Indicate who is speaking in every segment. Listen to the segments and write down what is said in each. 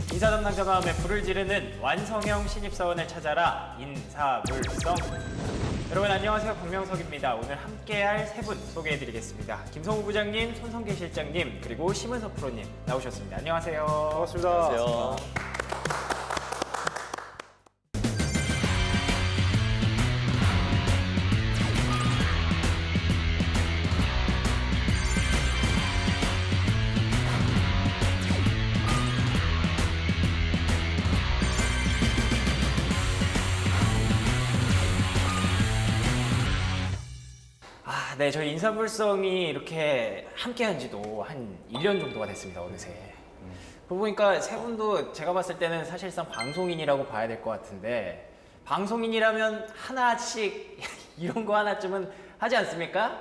Speaker 1: 인사 담당자 마음에 불을 지르는 완성형 신입사원을 찾아라 인사물성. 여러분 안녕하세요, 박명석입니다. 오늘 함께할 세 분 소개해드리겠습니다. 김성우 부장님, 손성계 실장님, 그리고 심은서 프로님 나오셨습니다. 안녕하세요.
Speaker 2: 반갑습니다.
Speaker 3: 안녕하세요.
Speaker 1: 네, 저희 인사물성이 이렇게 함께한 지도 한 1년 정도가 됐습니다, 어느새. 그러고 보니까 세 분도 제가 봤을 때는 사실상 방송인이라고 봐야 될 것 같은데, 방송인이라면 하나씩 이런 거 하나쯤은 하지 않습니까?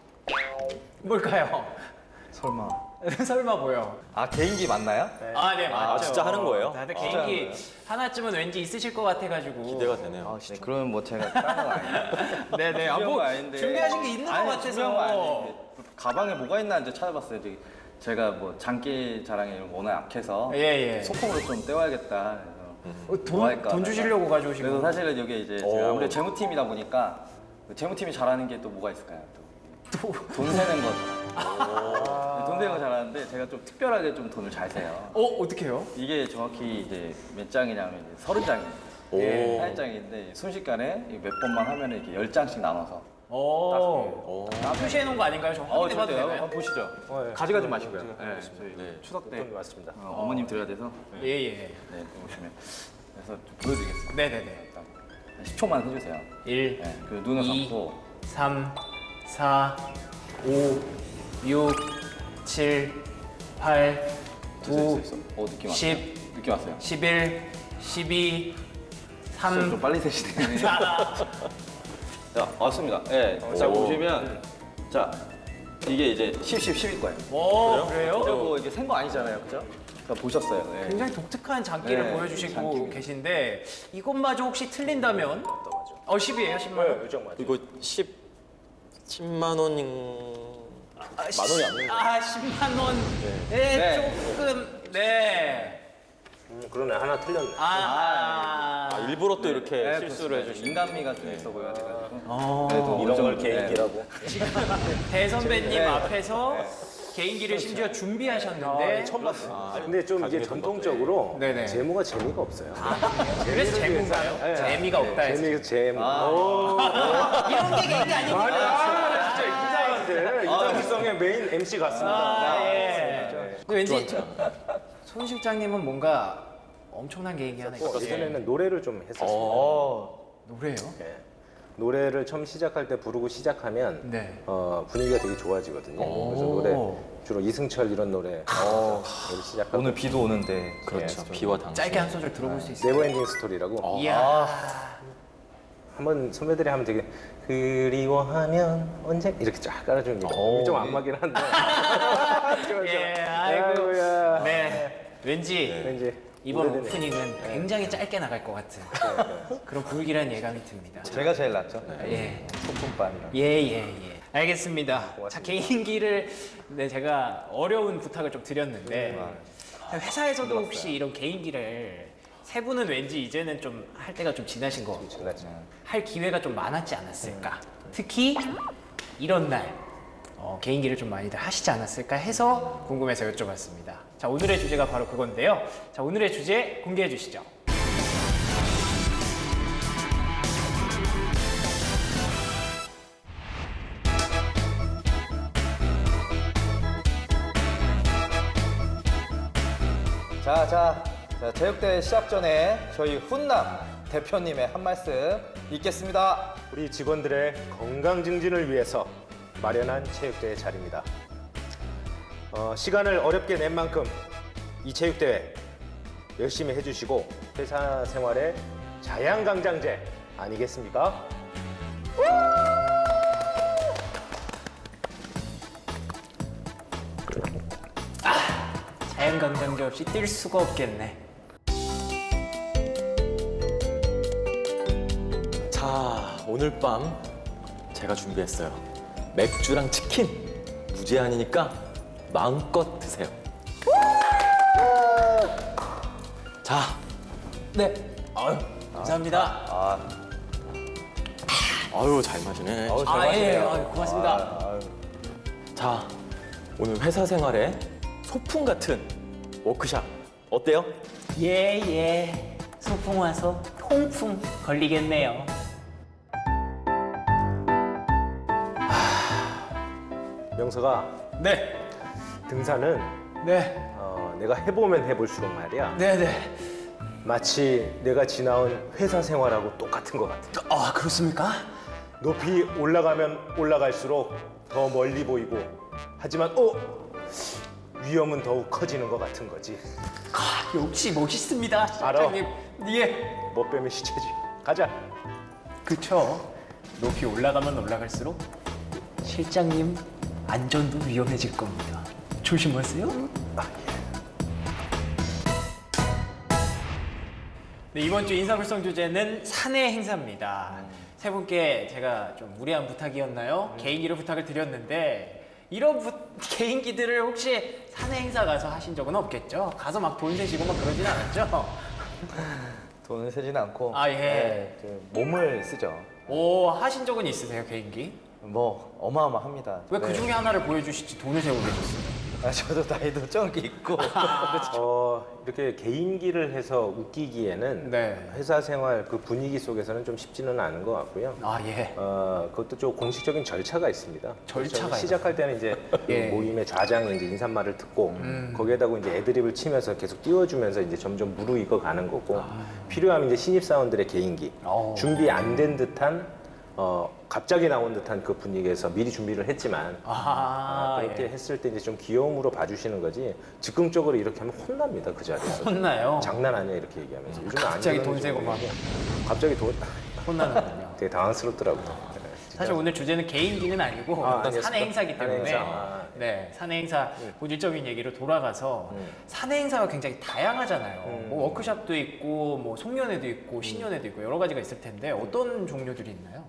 Speaker 1: 뭘까요?
Speaker 2: 설마.
Speaker 1: 설마 뭐요?
Speaker 2: 아, 개인기 맞나요?
Speaker 1: 네, 맞죠.
Speaker 3: 아, 진짜 하는 거예요?
Speaker 1: 다들
Speaker 2: 아,
Speaker 1: 개인기
Speaker 2: 진짜요?
Speaker 1: 하나쯤은 왠지 있으실 것 같아가지고.
Speaker 3: 기대가 되네요.
Speaker 2: 아, 진짜. 그러면 뭐 제가 딴건 아니에요.
Speaker 1: 네네. 아,
Speaker 2: 준비한
Speaker 1: 뭐
Speaker 2: 거 아닌데.
Speaker 1: 준비하신 게 있는 것
Speaker 2: 아니,
Speaker 1: 같아서.
Speaker 2: 준비한 거 아닌데. 가방에 뭐가 있나 이제 찾아봤어요. 제가 뭐 장기 자랑에 이런 거 워낙 약해서
Speaker 1: 예.
Speaker 2: 소품으로 좀 때워야겠다. 그래서 뭐 할까
Speaker 1: 돈
Speaker 2: 하다가.
Speaker 1: 주시려고 가져오신
Speaker 2: 그래서
Speaker 1: 거.
Speaker 2: 사실은 여기 이제 제가 아무래도 재무팀이다 보니까 그 재무팀이 잘하는 게 또 뭐가 있을까요? 또 돈 세는 거. 돈 세는 거 잘하는데 제가 좀 특별하게 좀 돈을 잘 세요.
Speaker 1: 어떻게 해요?
Speaker 2: 이게 정확히 이제 몇 장이냐면 이제 30장이에요.
Speaker 3: 오.
Speaker 1: 예.
Speaker 2: 40장인데 순식간에 몇 번만 하면 이렇게 10장씩 나눠서
Speaker 1: 오. 표시해 놓은 거 아닌가요? 저 확인해 봐도
Speaker 2: 저도요.
Speaker 1: 되나요?
Speaker 2: 한번 보시죠.
Speaker 1: 예.
Speaker 2: 가져가지 마시고요. 네, 저희
Speaker 3: 네.
Speaker 2: 추석 때
Speaker 4: 맞습니다.
Speaker 2: 어머님 드려야 돼서
Speaker 1: 예.
Speaker 2: 네, 보시면 그래서 좀 보여드리겠습니다.
Speaker 1: 네네네.
Speaker 2: 일단 10초만 해주세요.
Speaker 1: 1,
Speaker 2: 네, 그 눈을
Speaker 1: 2,
Speaker 2: 감고
Speaker 1: 3, 4, 5, 6, 7, 8, 9,
Speaker 2: 됐어. 느낌 왔어요.
Speaker 1: 10,
Speaker 2: 느낌 왔어요.
Speaker 1: 11, 12,
Speaker 2: 좀
Speaker 1: 3,
Speaker 2: 빨리 세시네.
Speaker 1: 4.
Speaker 2: 자, 왔습니다. 네, 자 보시면 자 이게 이제 10, 10, 10일 거예요.
Speaker 1: 오, 그래요?
Speaker 2: 진짜 뭐 이게 센 거 아니잖아요, 그죠? 그러니까 보셨어요. 네.
Speaker 1: 굉장히 독특한 장기를
Speaker 2: 네,
Speaker 1: 보여주시고
Speaker 2: 장기.
Speaker 1: 계신데 이것마저 혹시 틀린다면? 10이에요, 10만 원?
Speaker 4: 요정 맞아요.
Speaker 3: 이거 10만 원인 만 원이 안 되는 거예요.
Speaker 1: 10만 원. 네,
Speaker 2: 네.
Speaker 1: 조금, 네.
Speaker 4: 그러네. 하나 틀렸네.
Speaker 3: 일부러 또 이렇게
Speaker 2: 네,
Speaker 3: 실수를
Speaker 2: 그렇습니다.
Speaker 3: 해주시는.
Speaker 2: 인간미가 좀 있어 보여야 돼가지고.
Speaker 1: 어,
Speaker 4: 이런 걸
Speaker 2: 네.
Speaker 4: 개인기라고.
Speaker 1: 대선배님
Speaker 2: 네.
Speaker 1: 앞에서 개인기를 심지어 준비하셨는데
Speaker 4: 처음 봤어. 근데 좀 이게 전통적으로
Speaker 1: 네네.
Speaker 4: 재무가 재미가 없어요.
Speaker 1: 그래서 재미인가요?
Speaker 4: 네.
Speaker 1: 재미가 없다 해서.
Speaker 4: 재미가 재무.
Speaker 1: 이런 게 개인기 아닙니까?
Speaker 4: 아니야, 진짜 이자한테 이자물성의 메인 MC 같습니다.
Speaker 1: 예. 근데 왠지 손 실장님은 뭔가 엄청난 개인기 하나 있어요.
Speaker 4: 예전에는 노래를 좀 했었어요.
Speaker 1: 노래요?
Speaker 4: 네. 노래를 처음 시작할 때 부르고 시작하면
Speaker 1: 네.
Speaker 4: 분위기가 되게 좋아지거든요. 그래서 노래 주로 이승철 이런 노래 시작하고
Speaker 2: 오늘 비도 오는데.
Speaker 3: 그렇죠. 비와 당신.
Speaker 1: 짧게 한 소절 들어볼 수 있어요?
Speaker 4: 네버엔딩 스토리라고
Speaker 1: 이야.
Speaker 4: 한번 선배들이 하면 되게 그리워하면 언제 이렇게 쫙 깔아주는 게 좀 안마긴 한데
Speaker 1: 예, 아이고.
Speaker 4: 아이고야.
Speaker 1: 네. 왠지
Speaker 4: 왠지
Speaker 1: 이번
Speaker 4: 오래되네.
Speaker 1: 오프닝은 굉장히 짧게 나갈 것 같은 그런 불길한 예감이 듭니다.
Speaker 2: 제가 제일 낫죠.
Speaker 1: 예.
Speaker 2: 소품반이랑.
Speaker 1: 예. 알겠습니다. 자, 개인기를 제가 어려운 부탁을 좀 드렸는데 회사에서도 혹시 이런 개인기를 세 분은 왠지 이제는 좀 할 때가 좀 지나신 것 같고 할 기회가 좀 많았지 않았을까. 특히 이런 날 개인기를 좀 많이들 하시지 않았을까 해서 궁금해서 여쭤봤습니다. 자, 오늘의 주제가 바로 그건데요. 자, 오늘의 주제 공개해 주시죠.
Speaker 2: 자, 체육대회 시작 전에 저희 훈남 대표님의 한 말씀 읽겠습니다.
Speaker 4: 우리 직원들의 건강 증진을 위해서 마련한 체육대회 자리입니다. 시간을 어렵게 낸 만큼 이 체육대회 열심히 해주시고 회사 생활의 자양강장제 아니겠습니까?
Speaker 1: 자연강장제 없이 뛸 수가 없겠네.
Speaker 3: 자, 오늘 밤 제가 준비했어요. 맥주랑 치킨 무제한이니까 마음껏 드세요. 자,
Speaker 1: 네. 아유, 감사합니다.
Speaker 3: 아유 잘 마시네.
Speaker 1: 예, 고맙습니다.
Speaker 3: 자, 오늘 회사 생활에 소풍 같은 워크샵 어때요?
Speaker 1: 예. 소풍 와서 통풍 걸리겠네요.
Speaker 4: 명서가
Speaker 1: 네.
Speaker 4: 등산은
Speaker 1: 네.
Speaker 4: 내가 해보면 해볼수록 말이야.
Speaker 1: 네네.
Speaker 4: 마치 내가 지나온 회사 생활하고 똑같은 것 같아.
Speaker 1: 아, 그렇습니까?
Speaker 4: 높이 올라가면 올라갈수록 더 멀리 보이고, 하지만 위험은 더욱 커지는 것 같은 거지.
Speaker 1: 역시 멋있습니다,
Speaker 4: 알아.
Speaker 1: 실장님. 예.
Speaker 4: 못 빼면 시체지. 가자.
Speaker 1: 그쵸. 높이 올라가면 올라갈수록 실장님 안전도 위험해질 겁니다. 조심하세요. 네, 이번 주 인사불성 주제는 사내 행사입니다. 세 분께 제가 좀 무리한 부탁이었나요? 개인기를 부탁을 드렸는데 이런 개인기들을 혹시 사내 행사 가서 하신 적은 없겠죠? 가서 막 돈 세시고 막 그러진 않았죠?
Speaker 2: 돈을 세지는 않고
Speaker 1: 아, 예.
Speaker 2: 몸을 쓰죠.
Speaker 1: 오, 하신 적은 있으세요, 개인기?
Speaker 2: 뭐 어마어마합니다.
Speaker 1: 왜 그 중에 하나를 보여주시지 돈을 세고 계셨어요?
Speaker 2: 저도 나이도 좀 있고
Speaker 4: 이렇게 개인기를 해서 웃기기에는
Speaker 1: 네.
Speaker 4: 회사 생활 그 분위기 속에서는 좀 쉽지는 않은 것 같고요.
Speaker 1: 아, 예.
Speaker 4: 그것도 좀 공식적인 절차가 있습니다.
Speaker 1: 절차가
Speaker 4: 그래서 시작할 때는 이제
Speaker 1: 예.
Speaker 4: 그 모임의 좌장이 이제 인사말을 듣고 거기에다가 이제 애드립을 치면서 계속 띄워주면서 이제 점점 무르익어 가는 거고 필요하면 이제 신입 사원들의 개인기 준비 안 된 듯한 갑자기 나온 듯한 그 분위기에서 미리 준비를 했지만 그렇게
Speaker 1: 예.
Speaker 4: 했을 때 이제 좀 귀여움으로 봐주시는 거지 즉흥적으로 이렇게 하면 혼납니다 그 자리에서.
Speaker 1: 혼나요?
Speaker 4: 장난 아니야 이렇게 얘기하면서. 요즘은 안
Speaker 1: 갑자기
Speaker 4: 그러는
Speaker 1: 돈 세고 막
Speaker 4: 갑자기 돈
Speaker 1: 혼나는군요.
Speaker 4: 되게 당황스럽더라고요. 네, 진짜.
Speaker 1: 사실 오늘 주제는 개인기는 아니고 어떤
Speaker 4: 알겠습니다.
Speaker 1: 사내 행사기
Speaker 4: 사내
Speaker 1: 때문에
Speaker 4: 행사.
Speaker 1: 네, 사내 행사 본질적인 얘기로 돌아가서 사내 행사가 굉장히 다양하잖아요. 뭐 워크숍도 있고 뭐 송년회도 있고 신년회도 있고 여러 가지가 있을 텐데 어떤 종류들이 있나요?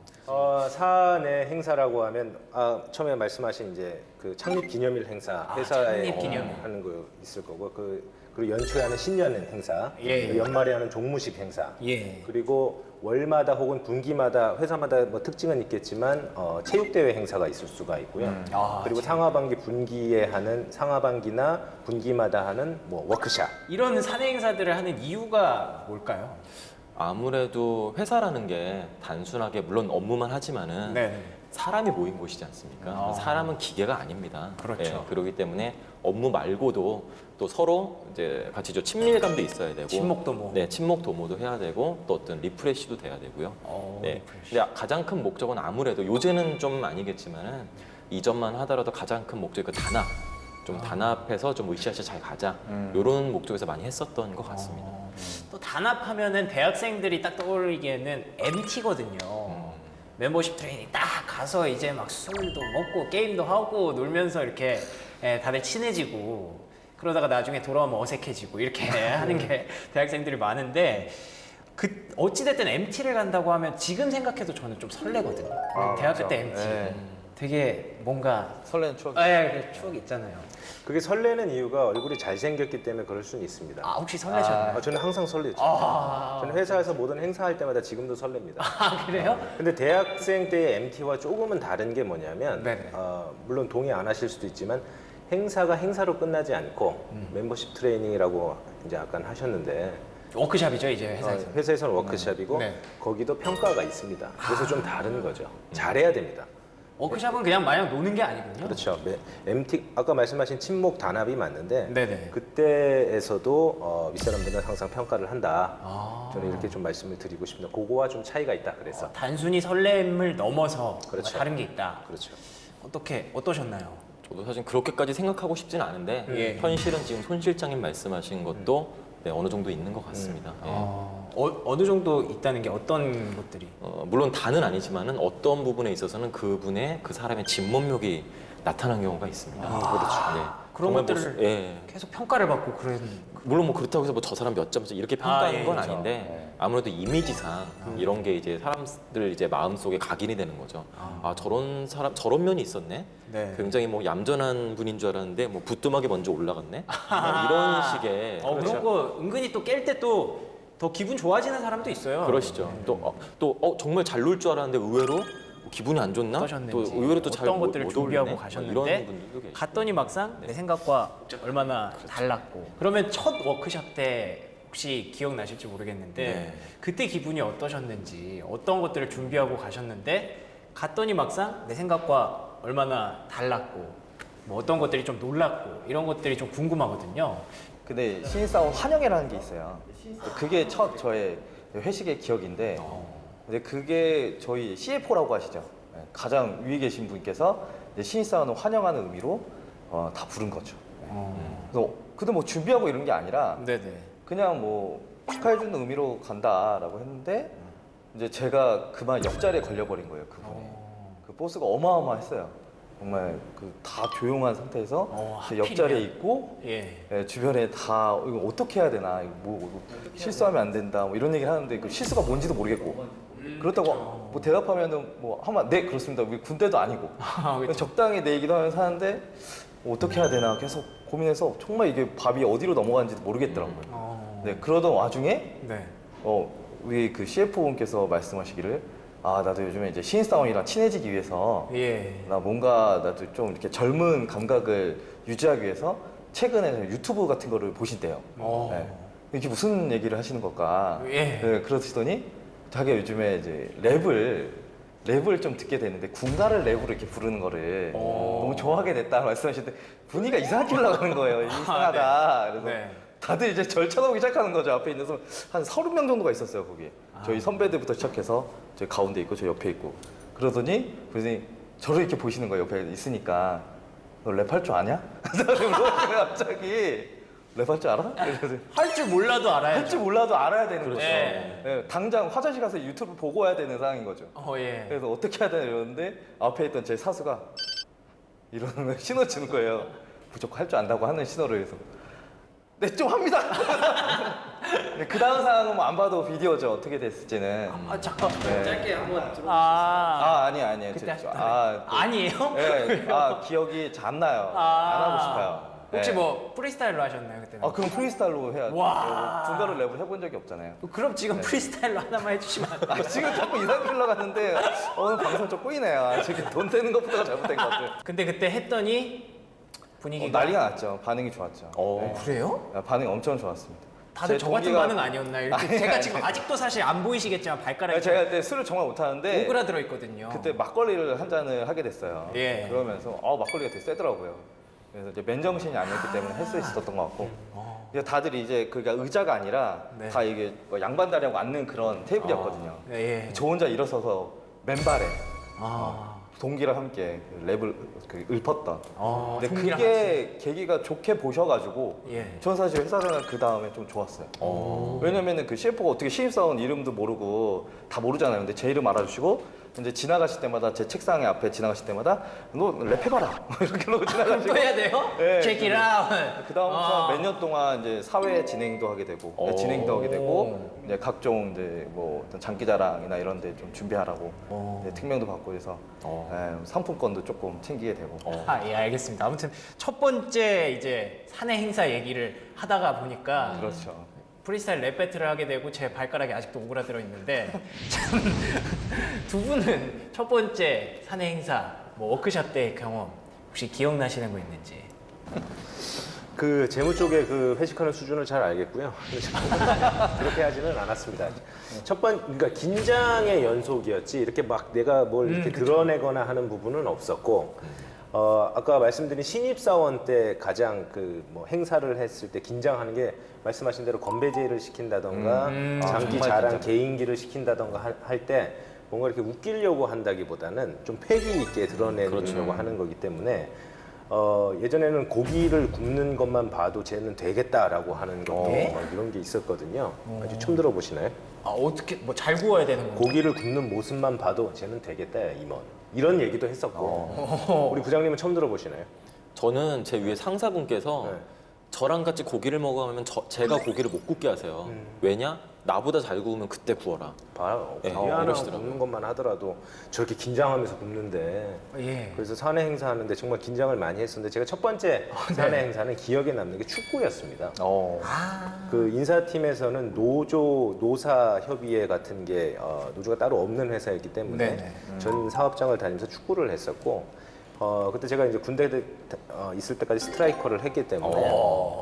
Speaker 4: 사내 행사라고 하면 처음에 말씀하신 이제 그 창립 기념일 행사 회사에
Speaker 1: 창립 기념일.
Speaker 4: 하는 거 있을 거고 그리고 연초에 하는 신년 행사,
Speaker 1: 예.
Speaker 4: 연말에 하는 종무식 행사,
Speaker 1: 예.
Speaker 4: 그리고 월마다 혹은 분기마다 회사마다 뭐 특징은 있겠지만 체육대회 행사가 있을 수가 있고요. 그리고 상하반기 분기에 하는 상하반기나 분기마다 하는 뭐 워크샵.
Speaker 1: 이런 사내 행사들을 하는 이유가 뭘까요?
Speaker 3: 아무래도 회사라는 게 단순하게 물론 업무만 하지만은
Speaker 1: 네.
Speaker 3: 사람이 모인 곳이지 않습니까? 사람은 기계가 아닙니다.
Speaker 1: 그렇죠.
Speaker 3: 그렇기 때문에 업무 말고도 또 서로 이제 같이 좀 친밀감도 있어야 되고,
Speaker 1: 친목 도모.
Speaker 3: 네, 친목 도모도 해야 되고, 또 어떤 리프레시도 돼야 되고요. 네. 근데 가장 큰 목적은 아무래도 요새는 좀 아니겠지만은 이전만 하더라도 가장 큰 목적이 그 단합. 좀 단합해서 좀 으쌰으쌰 잘 가자. 이런 목적에서 많이 했었던 것 같습니다.
Speaker 1: 또 단합하면은 대학생들이 딱 떠올리기에는 MT거든요. 멤버십 트레이닝 딱 가서 이제 막 술도 먹고 게임도 하고 놀면서 이렇게 다들 친해지고 그러다가 나중에 돌아오면 어색해지고 이렇게 하는 게 대학생들이 많은데 어찌됐든 MT를 간다고 하면 지금 생각해도 저는 좀 설레거든요. 대학교 때 MT.
Speaker 2: 네.
Speaker 1: 되게 뭔가
Speaker 2: 설레는 추억.
Speaker 1: 추억이 있잖아요.
Speaker 4: 그게 설레는 이유가 얼굴이 잘생겼기 때문에 그럴 수는 있습니다.
Speaker 1: 혹시 설레셨나요?
Speaker 4: 저는 항상 설레죠. 저는 회사에서 모든 행사할 때마다 지금도 설렙니다.
Speaker 1: 그래요?
Speaker 4: 근데 대학생 때의 MT와 조금은 다른 게 뭐냐면
Speaker 1: 네네.
Speaker 4: 물론 동의 안 하실 수도 있지만 행사가 행사로 끝나지 않고 멤버십 트레이닝이라고 이제 약간 하셨는데
Speaker 1: 워크샵이죠 이제 회사에서.
Speaker 4: 회사에서는 워크숍이고
Speaker 1: 네.
Speaker 4: 거기도 평가가 있습니다. 그래서 좀 다른 거죠. 잘해야 됩니다.
Speaker 1: 워크샵은 그냥 마냥 노는 게 아니군요.
Speaker 4: 그렇죠. MT 아까 말씀하신 친목 단합이 맞는데
Speaker 1: 네네.
Speaker 4: 그때에서도 윗사람들은 항상 평가를 한다. 저는
Speaker 1: 아.
Speaker 4: 이렇게 좀 말씀을 드리고 싶습니다. 그거와 좀 차이가 있다 그래서.
Speaker 1: 단순히 설렘을 넘어서
Speaker 4: 그렇죠.
Speaker 1: 다른 게 있다.
Speaker 4: 그렇죠.
Speaker 1: 어떠셨나요?
Speaker 3: 저도 사실 그렇게까지 생각하고 싶지는 않은데
Speaker 1: 예.
Speaker 3: 현실은 지금 손 실장님 말씀하신 것도 네, 어느 정도 있는 것 같습니다. 예.
Speaker 1: 어느 정도 있다는 게 어떤 것들이?
Speaker 3: 물론 다는 아니지만은 어떤 부분에 있어서는 그 사람의 진면목이 나타난 경우가 있습니다. 그렇죠. 네.
Speaker 1: 그런
Speaker 3: 정말
Speaker 1: 것들을
Speaker 3: 예.
Speaker 1: 계속 평가를 받고 그런.
Speaker 3: 물론 뭐 그렇다고 해서 뭐 저 사람 몇 점씩 이렇게 평가하는
Speaker 1: 예,
Speaker 3: 건
Speaker 1: 그렇죠.
Speaker 3: 아닌데 아무래도 이미지상 이런 게 이제 사람들 이제 마음속에 각인이 되는 거죠. 아 저런 사람 저런 면이 있었네.
Speaker 1: 네.
Speaker 3: 굉장히 뭐 얌전한 분인 줄 알았는데 뭐 부뚜막이 먼저 올라갔네. 뭐 이런 식의
Speaker 1: 그런 거 은근히 또 깰 때 또 더 기분 좋아지는 사람도 있어요.
Speaker 3: 그러시죠. 또 정말 잘 놀 줄 알았는데 의외로 의외로 안 좋나?
Speaker 1: 어떠셨는지,
Speaker 3: 또 의외로 또 잘
Speaker 1: 어떤 것들을
Speaker 3: 못
Speaker 1: 준비하고
Speaker 3: 어울리네?
Speaker 1: 가셨는데
Speaker 3: 이런 분들도 계시고.
Speaker 1: 갔더니 막상 내 생각과 얼마나 달랐고. 그러면 첫 워크숍 때 혹시 기억나실지 모르겠는데
Speaker 3: 네.
Speaker 1: 그때 기분이 어떠셨는지, 어떤 것들을 준비하고 가셨는데 갔더니 막상 내 생각과 얼마나 달랐고, 뭐 어떤 것들이 좀 놀랐고, 이런 것들이 좀 궁금하거든요.
Speaker 2: 근데 신입사원 환영회라는 게 있어요. 그게 첫 저의 회식의 기억인데, 근데 그게 저희 CFO라고 하시죠. 네, 가장 위에 계신 분께서 이제 신입사원을 환영하는 의미로 다 부른 거죠. 그래서 근데 뭐 준비하고 이런 게 아니라
Speaker 1: 네네.
Speaker 2: 그냥 뭐 축하해주는 의미로 간다라고 했는데 이제 제가 그만 옆자리에 걸려버린 거예요, 그분이. 그 보스가 어마어마했어요. 정말 그 다 조용한 상태에서 제 옆자리에
Speaker 1: 하필이면.
Speaker 2: 있고
Speaker 1: 예.
Speaker 2: 예, 주변에 다 이거 어떻게 해야 되나, 이거 뭐 실수하면 안 된다, 뭐 이런 얘기를 하는데 그 실수가 뭔지도 모르겠고 그렇다고 뭐 대답하면은 뭐 하면 네 그렇습니다. 우리 군대도 아니고
Speaker 1: 그쵸.
Speaker 2: 적당히 내 얘기도 하면서 하는데 뭐 어떻게 해야 되나 계속 고민해서 정말 이게 밥이 어디로 넘어가는지도 모르겠더라고요. 네, 그러던 와중에
Speaker 1: 네.
Speaker 2: 우리 그 CF분께서 말씀하시기를 나도 요즘에 이제 신입사원이랑 친해지기 위해서
Speaker 1: 예.
Speaker 2: 나 뭔가 나도 좀 이렇게 젊은 감각을 유지하기 위해서 최근에 유튜브 같은 거를 보신대요. 네. 이게 무슨 얘기를 하시는 걸까?
Speaker 1: 예.
Speaker 2: 네, 그러시더니 자기가 요즘에 이제 랩을 좀 듣게 되는데 군가를 랩으로 이렇게 부르는 거를 너무 좋아하게 됐다 말씀하시는데 분위기가 이상하게 올라가는 거예요. 이상하다. 그래서
Speaker 1: 네.
Speaker 2: 다들 이제 절 쳐다보기 시작하는 거죠. 앞에 있는 사람 한 30명 정도가 있었어요, 거기. 저희 선배들부터 시작해서 저 가운데 있고 저 옆에 있고. 그러더니 그러더니 저를 이렇게 보시는 거예요. 옆에 있으니까. 너 랩할 줄 아냐? 갑자기 랩할 줄 알아?
Speaker 1: 할 줄 몰라도 알아야죠.
Speaker 2: 할 줄 몰라도 알아야 되는 거죠.
Speaker 1: 예.
Speaker 2: 예, 당장 화장실 가서 유튜브 보고 와야 되는 상황인 거죠.
Speaker 1: 예.
Speaker 2: 그래서 어떻게 해야 되나 이러는데 앞에 있던 제 사수가 이러는 신호 주는 거예요. 무조건 할 줄 안다고 하는 신호를 해서 네, 좀 합니다. 그 다음 상황은 뭐 안 봐도 비디오죠. 어떻게 됐을지는.
Speaker 1: 잠깐
Speaker 2: 네.
Speaker 1: 짧게 한번 들어.
Speaker 2: 아니에요.
Speaker 1: 그때 하셨던 아니에요?
Speaker 2: 네, 기억이 잘 안 나요. 안 하고 싶어요.
Speaker 1: 혹시
Speaker 2: 네.
Speaker 1: 뭐 프리스타일로 하셨나요 그때는?
Speaker 2: 그럼 프리스타일로 해야죠.
Speaker 1: 와.
Speaker 2: 군가로 랩을 해본 적이 없잖아요.
Speaker 1: 그럼 지금 프리스타일로 하나만 해주시면 안 돼요?
Speaker 2: 지금 자꾸 이상하게 흘러갔는데 오늘 방송 좀 꼬이네요. 저기 돈 되는 것부터가 잘못된 것 같아요.
Speaker 1: 근데 그때 했더니 분위기가
Speaker 2: 난리가 났죠. 반응이 좋았죠. 네.
Speaker 1: 그래요?
Speaker 2: 반응이 엄청 좋았습니다.
Speaker 1: 다들
Speaker 2: 제
Speaker 1: 저 같은
Speaker 2: 동기가-
Speaker 1: 반응 아니었나요? 이렇게
Speaker 2: 아니,
Speaker 1: 제가
Speaker 2: 아니,
Speaker 1: 지금
Speaker 2: 아니.
Speaker 1: 아직도 사실 안 보이시겠지만 발가락이
Speaker 2: 제가 그때 술을 정말 못하는데
Speaker 1: 오그라들어 있거든요.
Speaker 2: 그때 막걸리를 한 잔을 하게 됐어요.
Speaker 1: 예.
Speaker 2: 그러면서 막걸리가 되게 세더라고요. 그래서 이제 맨정신이 아니었기 때문에 할 수 있었던 것 같고. 이제 다들 이제 그게 의자가 아니라
Speaker 1: 네.
Speaker 2: 다 이게 뭐 양반다리하고 앉는 그런 테이블이었거든요.
Speaker 1: 예.
Speaker 2: 저 혼자 일어서서 맨발에
Speaker 1: 아.
Speaker 2: 동기랑 함께 랩을 읊었던. 근데
Speaker 1: 동기랑
Speaker 2: 그게 계기가 좋게 보셔가지고
Speaker 1: 예.
Speaker 2: 전 사실 회사 생활 그 다음에 좀 좋았어요. 왜냐면은 그 CF가 어떻게 신입사원 이름도 모르고 다 모르잖아요. 근데 제 이름 알아주시고 이제 지나가실 때마다 제 책상에 앞에 지나가실 때마다 너 랩해봐라 이렇게 놓고 지나가시고
Speaker 1: 또 해야 돼요?
Speaker 2: 네.
Speaker 1: Check it out.
Speaker 2: 그 다음부터 몇 년 동안 이제 사회 진행도 하게 되고 진행도 하게 되고 이제 각종 이제 뭐 어떤 장기자랑이나 이런 데 좀 준비하라고 이제 특명도 받고 해서 상품권도 조금 챙기게 되고
Speaker 1: 예, 알겠습니다. 아무튼 첫 번째 이제 사내 행사 얘기를 하다가 보니까
Speaker 2: 그렇죠.
Speaker 1: 프리스타일 랩 배틀을 하게 되고 제 발가락이 아직도 오그라들어 있는데 참, 두 분은 첫 번째 사내 행사 뭐 워크숍 때 경험 혹시 기억나시는 거 있는지?
Speaker 4: 그 재무 쪽에 그 회식하는 수준을 잘 알겠고요. 그렇게 하지는 않았습니다. 그러니까 긴장의 연속이었지 이렇게 막 내가 뭘 이렇게 드러내거나 하는 부분은 없었고 아까 말씀드린 신입사원 때 가장 그 뭐 행사를 했을 때 긴장하는 게 말씀하신 대로 건배제를 시킨다던가 장기
Speaker 2: 정말
Speaker 4: 자랑
Speaker 2: 긴장.
Speaker 4: 개인기를 시킨다던가 할 때 뭔가 이렇게 웃기려고 한다기보다는 좀 패기 있게 드러내려고 하는 거기 때문에 예전에는 고기를 굽는 것만 봐도 쟤는 되겠다라고 하는 것도 이런 게 있었거든요. 아주 처음 들어보시나요?
Speaker 1: 어떻게 뭐 잘 구워야 되는 건가?
Speaker 4: 고기를 굽는 모습만 봐도 쟤는 되겠다, 임원. 이런 얘기도 했었고. 우리 부장님은 처음 들어보시나요?
Speaker 3: 저는 제 위에 상사분께서
Speaker 4: 네.
Speaker 3: 저랑 같이 고기를 먹으면 제가 고기를 못 굽게 하세요. 왜냐? 나보다 잘 구우면 그때 구워라.
Speaker 4: 봐요.
Speaker 3: 네,
Speaker 4: 고기 하나
Speaker 3: 이러시더라고요.
Speaker 4: 굽는 것만 하더라도 저렇게 긴장하면서 굽는데
Speaker 1: 예.
Speaker 4: 그래서 사내 행사하는데 정말 긴장을 많이 했었는데 제가 첫 번째 사내 행사는 기억에 남는 게 축구였습니다. 그 인사팀에서는 노사 협의회 같은 게 노조가 따로 없는 회사였기 때문에
Speaker 1: 네네.
Speaker 4: 전 사업장을 다니면서 축구를 했었고 그때 제가 이제 군대 있을 때까지 스트라이커를 했기 때문에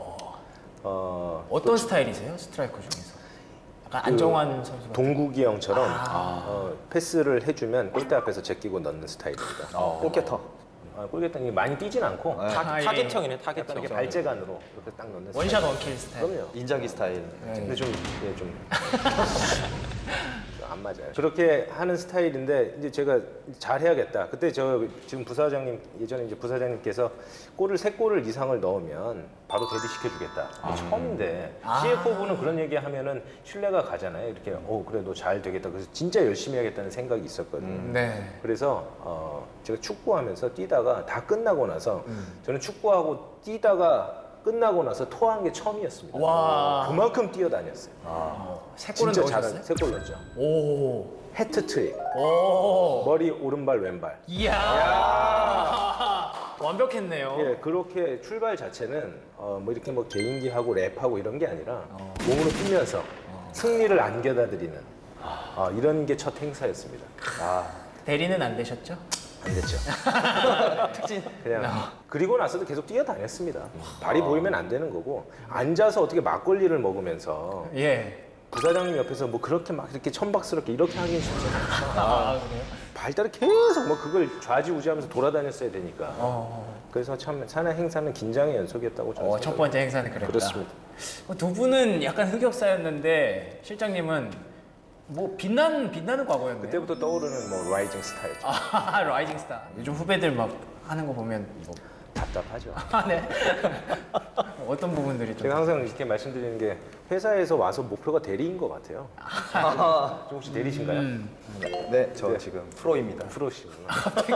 Speaker 1: 어떤 스타일이세요? 스트라이커 중에서? 약간 안정환 선수 같은
Speaker 4: 동국이 형처럼 패스를 해주면 골대 앞에서 제끼고 넣는 스타일입니다.
Speaker 2: 골게터.
Speaker 4: 골게터는 많이 뛰진 않고
Speaker 1: 아, 예.
Speaker 3: 타겟형이네,
Speaker 4: 약간
Speaker 3: 타겟형.
Speaker 4: 이렇게 발재간으로 이렇게 딱 넣는
Speaker 1: 원샷
Speaker 4: 스타일.
Speaker 1: 원킬 스타일.
Speaker 4: 그럼요.
Speaker 2: 인자기 스타일.
Speaker 4: 근데 좀 안 맞아요. 그렇게 하는 스타일인데 이제 제가 잘 해야겠다. 그때 저 지금 부사장님 예전에 이제 부사장님께서 골을 3골을 이상을 넣으면 바로 데뷔시켜주겠다. 처음인데 CFO부는 그런 얘기하면은 신뢰가 가잖아요. 이렇게 그래 너 잘 되겠다. 그래서 진짜 열심히 하겠다는 생각이 있었거든요.
Speaker 1: 네.
Speaker 4: 그래서 제가 축구하면서 뛰다가 다 끝나고 나서 저는 축구하고 뛰다가 끝나고 나서 토한 게 처음이었습니다.
Speaker 1: 와.
Speaker 4: 그만큼 뛰어다녔어요.
Speaker 1: 세 골은
Speaker 4: 진짜
Speaker 1: 넣으셨어요?
Speaker 4: 3골 넣었죠.
Speaker 1: 오.
Speaker 4: 해트트릭.
Speaker 1: 오.
Speaker 4: 머리 오른발 왼발.
Speaker 1: 이야. 완벽했네요.
Speaker 4: 예, 그렇게 출발 자체는 뭐 이렇게 뭐 개인기하고 랩하고 이런 게 아니라 몸으로 뛰면서 승리를 안겨다드리는 이런 게 첫 행사였습니다.
Speaker 1: 대리는 안 되셨죠?
Speaker 4: 안 됐죠. 그냥 그리고 나서도 계속 뛰어다녔습니다. 발이 보이면 안 되는 거고 앉아서 어떻게 막걸리를 먹으면서
Speaker 1: 예.
Speaker 4: 부사장님 옆에서 뭐 그렇게 막 이렇게 천박스럽게 이렇게 하긴 쉽지 않죠.
Speaker 1: 그래요?
Speaker 4: 발달을 계속 뭐 그걸 좌지우지하면서 돌아다녔어야 되니까. 그래서 참 사내 행사는 긴장의 연속이었다고 저는
Speaker 1: 첫
Speaker 4: 생각합니다.
Speaker 1: 번째 행사는 그랬다.
Speaker 4: 그렇습니다.
Speaker 1: 두 분은 약간 흑역사였는데 실장님은 뭐 빛나는 과거였네요.
Speaker 4: 그때부터 떠오르는 뭐 라이징 스타였죠.
Speaker 1: 라이징 스타. 요즘 후배들 막 하는 거 보면 뭐
Speaker 4: 답답하죠.
Speaker 1: 네. 어떤 부분들이 좀
Speaker 4: 제가 항상 이렇게 말씀드리는 게 회사에서 와서 목표가 대리인 것 같아요. 좀 혹시 대리신가요?
Speaker 2: 네, 저 지금 프로입니다.
Speaker 4: 프로시구나.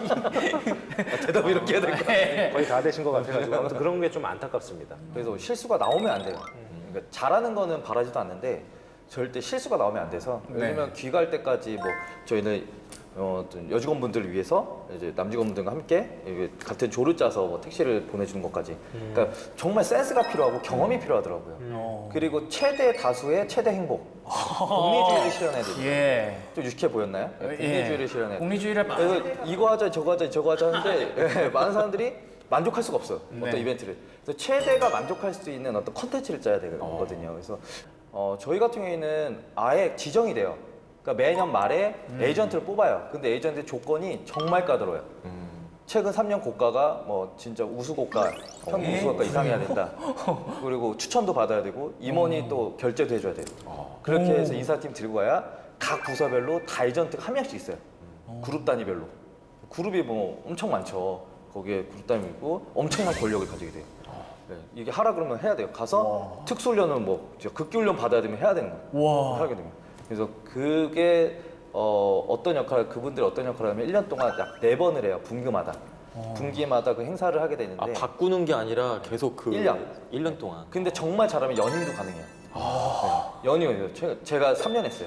Speaker 2: 대답 이렇게 해야 될 것 같아요.
Speaker 4: 거의 다 되신 것 같아가지고 아무튼 그런 게 좀 안타깝습니다.
Speaker 2: 그래서 실수가 나오면 안 돼요. 그러니까 잘하는 거는 바라지도 않는데 절대 실수가 나오면 안 돼서
Speaker 1: 네.
Speaker 2: 예를 들면 귀가할 때까지 뭐 저희는 어떤 여직원분들을 위해서 이제 남직원분들과 함께 이게 같은 조를 짜서 뭐 택시를 보내주는 것까지 그러니까 정말 센스가 필요하고 경험이 필요하더라고요. 그리고 최대 다수의 최대 행복 공리주의를 실현해야 돼요.
Speaker 1: 예.
Speaker 2: 좀 유식해 보였나요? 네, 공리주의를 실현해야 돼요.
Speaker 1: 공리주의를
Speaker 2: 그래서 이거 하자 저거 하자 저거 하자 하는데 예, 많은 사람들이 만족할 수가 없어요. 어떤
Speaker 1: 네.
Speaker 2: 이벤트를. 그래서 최대가 만족할 수 있는 어떤 컨텐츠를 짜야 되거든요. 그래서 저희 같은 경우에는 아예 지정이 돼요. 그러니까 매년 말에 에이전트를 뽑아요. 근데 에이전트 조건이 정말 까다로워요. 최근 3년 고가가 뭐 진짜 우수 고가, 평균 우수 고가 이상해야 된다. 그리고 추천도 받아야 되고 임원이 또 결제도 해줘야 돼요. 그렇게 해서 인사팀 들고 가야 각 부서별로 다 에이전트가 한 명씩 있어요. 그룹 단위별로. 그룹이 뭐 엄청 많죠. 거기에 그룹 단위고 엄청난 권력을 가지게 돼요. 네, 이게 하라 그러면 해야 돼요. 가서 특수훈련은 뭐 극기훈련 받아야 되면 해야 되는 거예요.
Speaker 1: 와.
Speaker 2: 하게 됩니다. 그래서 그게 어떤 역할, 그분들이 어떤 역할을 하면 1년 동안 약 4번을 해요. 분기마다. 분기마다 그 행사를 하게 되는데
Speaker 3: 바꾸는 게 아니라 계속 그
Speaker 2: 1년
Speaker 3: 동안.
Speaker 2: 근데 정말 잘하면 연임도 가능해요. 네, 연임이요. 제가 3년 했어요.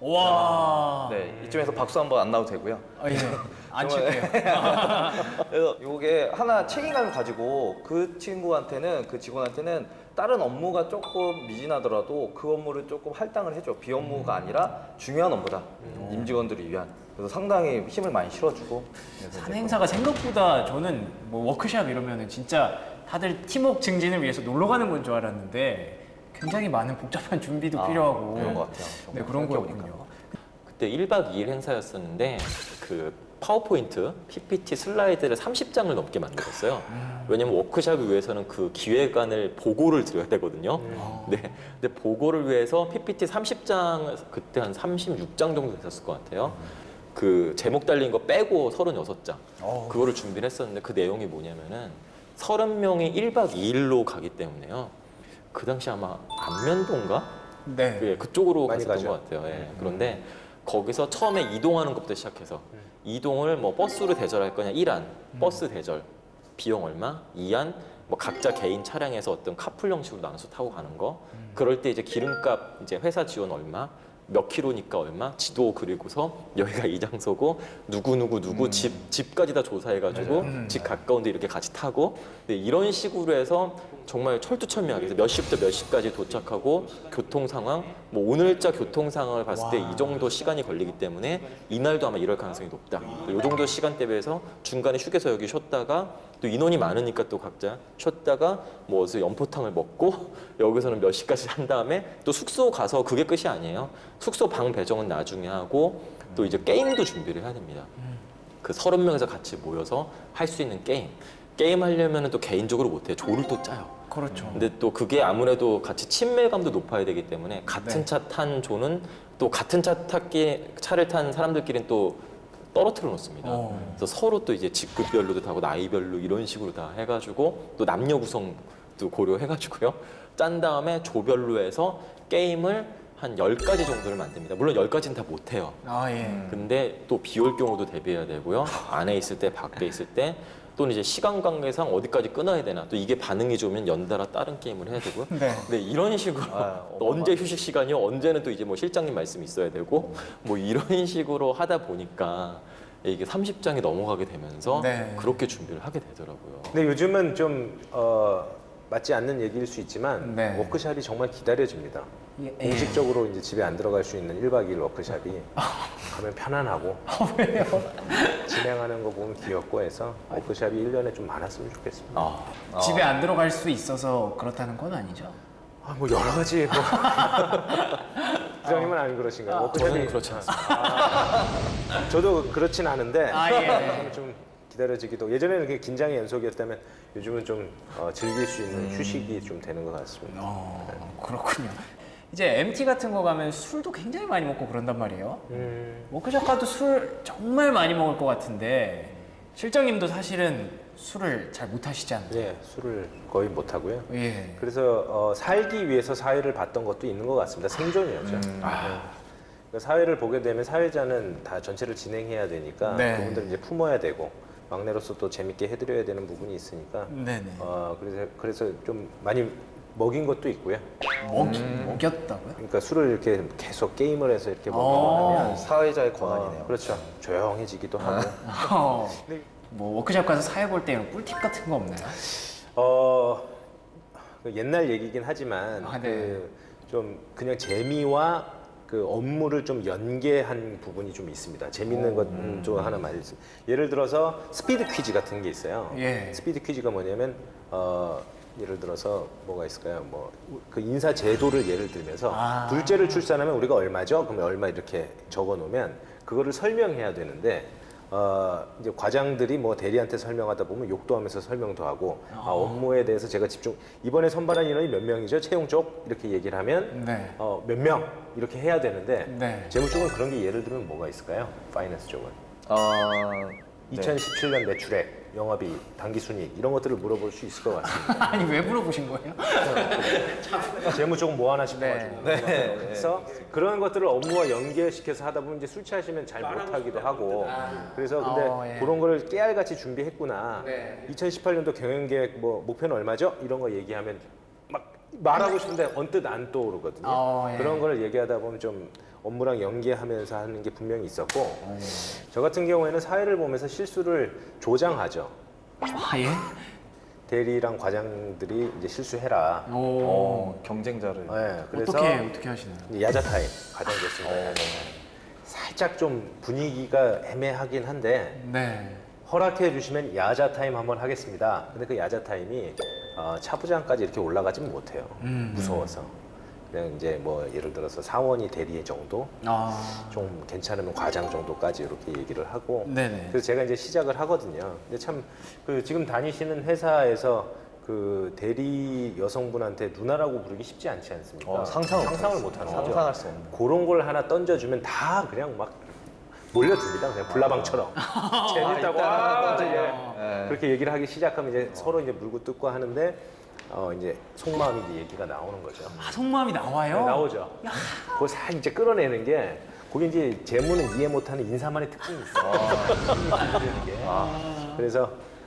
Speaker 1: 와.
Speaker 2: 네, 이쯤에서 박수 한번 안 나와도 되고요.
Speaker 1: 예. 안 칠게요.
Speaker 2: 그래서 이게 하나 책임감을 가지고 그 친구한테는 그 직원한테는 다른 업무가 조금 미진하더라도 그 업무를 조금 할당을 해줘. 비업무가 아니라 중요한 업무다. 임직원들을 위한. 그래서 상당히 힘을 많이 실어주고.
Speaker 1: 사내 행사가 생각보다 저는 뭐 워크샵 이러면은 진짜 다들 팀워크 증진을 위해서 놀러 가는 건 줄 알았는데 굉장히 많은 복잡한 준비도 필요하고
Speaker 2: 그런 것 같아요.
Speaker 1: 네,
Speaker 2: 정말
Speaker 1: 그런
Speaker 2: 생각해보니까.
Speaker 1: 거였군요.
Speaker 3: 그때 1박 2일 행사였었는데 그 파워포인트, PPT 슬라이드를 30장을 넘게 만들었어요. 왜냐면 워크샵을 위해서는 그 기획안을 보고를 드려야 되거든요. 네. 근데 보고를 위해서 PPT 30장, 그때 한 36장 정도 됐었을 것 같아요. 그 제목 달린 거 빼고 36장. 그거를 준비를 했었는데 그 내용이 뭐냐면은 30명이 1박 2일로 가기 때문에요. 그 당시 아마 안면도인가?
Speaker 1: 네.
Speaker 3: 예, 그쪽으로
Speaker 4: 많이
Speaker 3: 갔었던
Speaker 4: 가죠.
Speaker 3: 것 같아요. 예. 그런데 거기서 처음에 이동하는 것부터 시작해서 이동을 뭐 버스로 대절할 거냐 1안 버스 대절 비용 얼마, 2안 뭐 각자 개인 차량에서 어떤 카풀 형식으로 나눠서 타고 가는 거. 그럴 때 이제 기름값 이제 회사 지원 얼마, 몇 킬로니까 얼마, 지도 그리고서 여기가 이 장소고 누구 집까지 다 조사해가지고 집 가까운데 이렇게 같이 타고 네, 이런 식으로 해서 정말 철두철미하게 해서 몇 시부터 몇 시까지 도착하고 교통 상황, 뭐 오늘자 교통 상황을 봤을 때 이 정도 시간이 걸리기 때문에 이날도 아마 이럴 가능성이 높다. 이 정도 시간대 배에서 중간에 휴게소 여기 쉬었다가 또 인원이 많으니까 또 각자 쉬었다가 뭐 어디서 연포탕을 먹고 여기서는 몇 시까지 한 다음에 또 숙소 가서 그게 끝이 아니에요. 숙소 방 배정은 나중에 하고 또 이제 게임도 준비를 해야 됩니다. 그 30명에서 같이 모여서 할 수 있는 게임 하려면 또 개인적으로 못해요. 조를 또 짜요.
Speaker 1: 그렇죠.
Speaker 3: 근데 또 그게 아무래도 같이 친밀감도 높아야 되기 때문에 같은 차 탄 조는 또 같은 차를 탄 사람들끼리는 또 떨어뜨려 놓습니다. 그래서 서로 또 이제 직급별로도 타고 나이별로 이런 식으로 다 해가지고 또 남녀 구성도 고려해가지고요. 짠 다음에 조별로 해서 게임을 한 10가지 정도를 만듭니다. 물론 10가지는 다 못해요.
Speaker 1: 아 예.
Speaker 3: 근데 또 비 올 경우도 대비해야 되고요. 안에 있을 때, 밖에 있을 때 또는 이제 시간 관계상 어디까지 끊어야 되나 또 이게 반응이 좋으면 연달아 다른 게임을 해야 되고요.
Speaker 1: 네.
Speaker 3: 네, 이런 식으로 또 언제 휴식 시간이요? 언제는 또 이제 뭐 실장님 말씀이 있어야 되고 뭐 이런 식으로 하다 보니까 이게 30장이 넘어가게 되면서
Speaker 1: 네.
Speaker 3: 그렇게 준비를 하게 되더라고요.
Speaker 4: 근데 요즘은 좀 맞지 않는 얘기일 수 있지만
Speaker 1: 네.
Speaker 4: 워크샵이 정말 기다려집니다.
Speaker 1: 예.
Speaker 4: 공식적으로 이제 집에 안 들어갈 수 있는 1박 2일 워크샵이 가면 편안하고
Speaker 1: 왜요?
Speaker 4: 진행하는 거 보면 귀엽고 해서 워크샵이 1년에 좀 많았으면 좋겠습니다.
Speaker 1: 집에 안 들어갈 수 있어서 그렇다는 건 아니죠?
Speaker 4: 뭐 여러 가지 뭐 부장님은 안 그러신가요?
Speaker 3: 저는 그렇지 않습니다.
Speaker 4: 저도 그렇진 않은데
Speaker 1: 예.
Speaker 4: 좀 기다려지기도 예전에는 그게 긴장의 연속이었다면 요즘은 좀 즐길 수 있는 휴식이 좀 되는 것 같습니다.
Speaker 1: 그렇군요. 이제 MT 같은 거 가면 술도 굉장히 많이 먹고 그런단 말이에요. 워크숍 가도 술 정말 많이 먹을 것 같은데 실장님도 사실은 술을 잘 못 하시잖아요.
Speaker 4: 예, 술을 거의 못 하고요.
Speaker 1: 예.
Speaker 4: 그래서 살기 위해서 사회를 봤던 것도 있는 것 같습니다. 생존이었죠. 그러니까 사회를 보게 되면 사회자는 다 전체를 진행해야 되니까
Speaker 1: 네.
Speaker 4: 그분들을 이제 품어야 되고 막내로서 또 재밌게 해드려야 되는 부분이 있으니까
Speaker 1: 네네.
Speaker 4: 그래서 좀 많이 먹인 것도 있고요.
Speaker 1: 먹였다고요?
Speaker 4: 그러니까 술을 이렇게 계속 게임을 해서 이렇게 먹고 하면
Speaker 2: 사회자의 권한이네요.
Speaker 4: 그렇죠. 조용해지기도 하고.
Speaker 1: 뭐 워크숍 가서 사회 볼 때 이런 꿀팁 같은 거 없나요?
Speaker 4: 그 옛날 얘기긴 하지만
Speaker 1: 아, 네.
Speaker 4: 좀 그냥 재미와 그 업무를 좀 연계한 부분이 좀 있습니다. 재밌는 것 좀 하나 말씀. 예를 들어서 스피드 퀴즈 같은 게 있어요.
Speaker 1: 예.
Speaker 4: 스피드 퀴즈가 뭐냐면 예를 들어서 뭐가 있을까요? 뭐 그 인사 제도를 예를 들면서 둘째를 출산하면 우리가 얼마죠? 그러면 얼마 이렇게 적어 놓으면 그거를 설명해야 되는데 이제 과장들이 뭐 대리한테 설명하다 보면 욕도 하면서 설명도 하고 업무에 대해서 제가 이번에 선발한 인원이 몇 명이죠? 채용 쪽 이렇게 얘기를 하면
Speaker 1: 네.
Speaker 4: 몇 명 이렇게 해야 되는데
Speaker 1: 네.
Speaker 4: 재무 쪽은 그런 게 예를 들면 뭐가 있을까요? 파이낸스 쪽은 2017년 매출액, 영업이익, 당기순이익 이런 것들을 물어볼 수 있을 것 같습니다.
Speaker 1: 아니 왜 물어보신 거예요?
Speaker 4: 재무 쪽은 뭐 하나 싶어가지고.
Speaker 1: 네.
Speaker 4: 그래서 그런 것들을 업무와 연계시켜서 하다 보면 이제 술 취하시면 잘 못하기도 하고. 그래서 근데
Speaker 1: 예.
Speaker 4: 그런 거를 깨알같이 준비했구나.
Speaker 1: 네.
Speaker 4: 2018년도 경영계획 뭐 목표는 얼마죠? 이런 거 얘기하면 막 말하고 싶은데 언뜻 안 떠오르거든요.
Speaker 1: 예.
Speaker 4: 그런 거를 얘기하다 보면 좀 업무랑 연계하면서 하는 게 분명히 있었고 저 같은 경우에는 사회를 보면서 실수를 조장하죠.
Speaker 1: 아 예?
Speaker 4: 대리랑 과장들이 이제 실수해라.
Speaker 2: 경쟁자를.
Speaker 4: 네, 그래서
Speaker 1: 어떻게 하시나요?
Speaker 4: 야자 타임 가정됐습니다. 살짝 좀 분위기가 애매하긴 한데
Speaker 1: 네.
Speaker 4: 허락해 주시면 야자 타임 한번 하겠습니다. 근데 그 야자 타임이 차부장까지 이렇게 올라가지는 못해요. 무서워서. 그냥 이제 뭐 예를 들어서 사원이 대리 정도, 좀 괜찮으면 과장 정도까지 이렇게 얘기를 하고.
Speaker 1: 네네.
Speaker 4: 그래서 제가 이제 시작을 하거든요. 근데 참 그 지금 다니시는 회사에서 그 대리 여성분한테 누나라고 부르기 쉽지 않지 않습니까?
Speaker 2: 상상을
Speaker 4: 못 하는 거죠.
Speaker 2: 상상할 수 없는.
Speaker 4: 그런 걸 하나 던져주면 다 그냥 막 몰려듭니다. 그냥 불나방처럼. 재밌다고. 그렇게 얘기를 하기 시작하면 이제 서로 이제 물고 뜯고 하는데 이제 속마음이 이제 얘기가 나오는 거죠.
Speaker 1: 속마음이 나와요?
Speaker 4: 네, 나오죠. 그걸 싹 이제 끌어내는 게 그게 이제 재무는 이해 못하는 인사만의 특징이 있어요. 그래서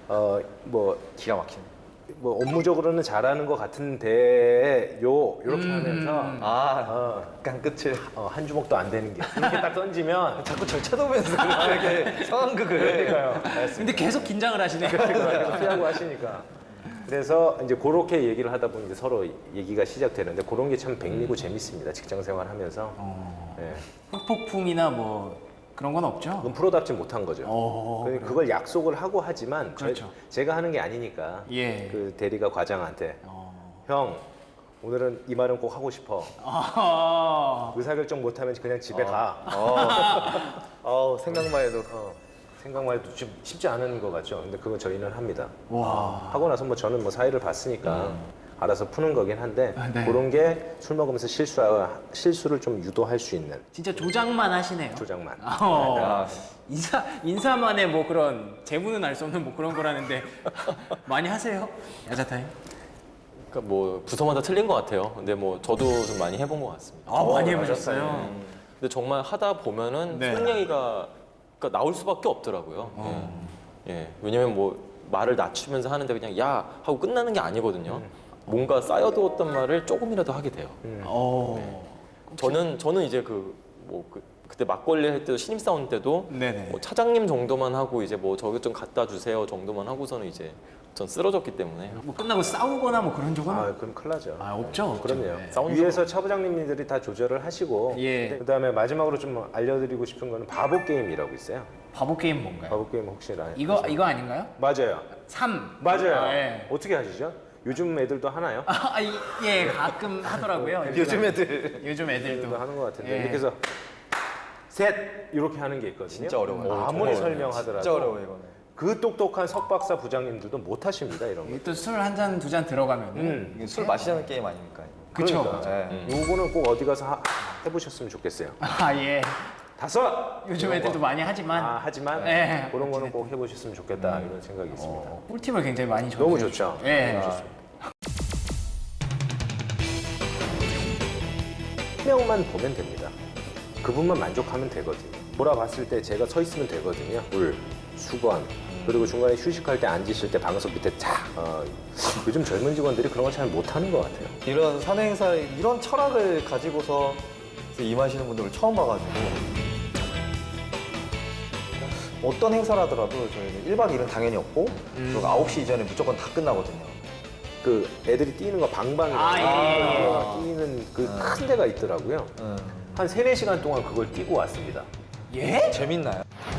Speaker 4: 뭐
Speaker 2: 기가 막히네.
Speaker 4: 뭐 업무적으로는 잘하는 것 같은데요 이렇게 하면서
Speaker 2: 약간 끝을
Speaker 4: 한 주먹도 안 되는 게 이렇게 딱 던지면
Speaker 2: 자꾸 절 쳐다보면서 이렇게 상황극을.
Speaker 4: 그러니까요.
Speaker 1: 근데 계속 긴장을 하시네요.
Speaker 4: 피하고 하시니까. 그래서 이제 그렇게 얘기를 하다 보니 이제 서로 얘기가 시작되는데 그런 게 참 백미고 재밌습니다. 직장 생활하면서. 네.
Speaker 1: 흑폭풍이나 뭐 그런 건 없죠?
Speaker 4: 그건 프로답지 못한 거죠. 그러니까 그걸 약속을 하고 하지만
Speaker 1: 그렇죠.
Speaker 4: 제가 하는 게 아니니까
Speaker 1: 예.
Speaker 4: 그 대리가 과장한테 형 오늘은 이 말은 꼭 하고 싶어. 의사결정 못하면 그냥 집에 가.
Speaker 2: 생각만 해도.
Speaker 4: 생각만 해도 좀 쉽지 않은 것 같죠. 근데 그건 저희는 합니다.
Speaker 1: 와.
Speaker 4: 하고 나서 뭐 저는 뭐 사회를 봤으니까 알아서 푸는 거긴 한데
Speaker 1: 네.
Speaker 4: 그런 게 술 먹으면서 실수를 좀 유도할 수 있는
Speaker 1: 진짜 조작만 하시네요.
Speaker 4: 조작만.
Speaker 1: 인사만의 뭐 그런 재무는 알 수 없는 뭐 그런 거라는데 많이 하세요? 야자타임?
Speaker 3: 그러니까 뭐 부서마다 틀린 것 같아요. 근데 뭐 저도 좀 많이 해본 것 같습니다.
Speaker 1: 많이 해보셨어요?
Speaker 3: 근데 정말 하다 보면은
Speaker 1: 네.
Speaker 3: 술 얘기가 그러니까 나올 수밖에 없더라고요. 예. 왜냐면 뭐 말을 낮추면서 하는데 그냥 야 하고 끝나는 게 아니거든요. 뭔가 쌓여두었던 말을 조금이라도 하게 돼요. 저는 이제 그때 막걸리 할 때도 신입사원 때도
Speaker 1: 네네.
Speaker 3: 뭐 차장님 정도만 하고 이제 뭐 저기 좀 갖다 주세요 정도만 하고서는 이제 전 쓰러졌기 때문에
Speaker 1: 뭐 끝나고 싸우거나 뭐 그런 적은
Speaker 4: 그럼 큰일 나죠.
Speaker 1: 없죠?
Speaker 4: 그럼요.
Speaker 1: 네.
Speaker 4: 위에서 차부장님들이 다 조절을 하시고
Speaker 1: 예.
Speaker 4: 그다음에 마지막으로 좀 알려드리고 싶은 거는 바보 게임이라고 있어요.
Speaker 1: 바보 게임 뭔가요?
Speaker 4: 바보 게임 혹시
Speaker 1: 이거 아닌가요?
Speaker 4: 맞아요.
Speaker 1: 3.
Speaker 4: 맞아요.
Speaker 1: 예.
Speaker 4: 어떻게 하시죠? 요즘 애들도 하나요?
Speaker 1: 예, 가끔 하더라고요.
Speaker 2: 요즘 애들.
Speaker 1: 요즘 애들도.
Speaker 4: 애들도 하는 것 같은데
Speaker 1: 예.
Speaker 4: 이렇게 해서 셋 이렇게 하는 게 있거든요.
Speaker 2: 진짜 어려워요.
Speaker 4: 아무리
Speaker 3: 정말
Speaker 4: 설명하더라도
Speaker 2: 진짜 어려워 이거는.
Speaker 4: 그 똑똑한 석박사 부장님들도 못 하십니다 이런 거.
Speaker 1: 또 술 한 잔 두 잔 들어가면
Speaker 2: 이게 술 마시자는 게임 아닙니까?
Speaker 1: 그쵸.
Speaker 4: 그러니까.
Speaker 2: 네.
Speaker 4: 요거는 꼭 어디 가서 해보셨으면 좋겠어요.
Speaker 1: 예.
Speaker 4: 5.
Speaker 1: 요즘 애들도 많이 하지만
Speaker 4: 하지만
Speaker 1: 네.
Speaker 4: 그런 거는 꼭 해보셨으면 좋겠다 이런 생각이 있습니다.
Speaker 1: 꿀팁을 굉장히 많이 줘.
Speaker 4: 너무 좋죠.
Speaker 1: 예.
Speaker 4: 한 명만 보면 됩니다. 그분만 만족하면 되거든요. 돌아봤을 때 제가 서 있으면 되거든요. 물, 수건, 그리고 중간에 휴식할 때 앉으실 때 방석 밑에 쫙. 요즘 젊은 직원들이 그런 걸 잘 못하는 것 같아요.
Speaker 2: 이런 사내 행사에 이런 철학을 가지고서 임하시는 분들을 처음 봐가지고 어떤 행사를 하더라도 저희는 1박 2일은 당연히 없고 그리고 9시 이전에 무조건 다 끝나거든요.
Speaker 4: 그 애들이 뛰는 거 방방이라고 뛰는 그 큰 데가 있더라고요. 한 3, 4시간 동안 그걸 뛰고 왔습니다.
Speaker 1: 예?
Speaker 2: 재밌나요?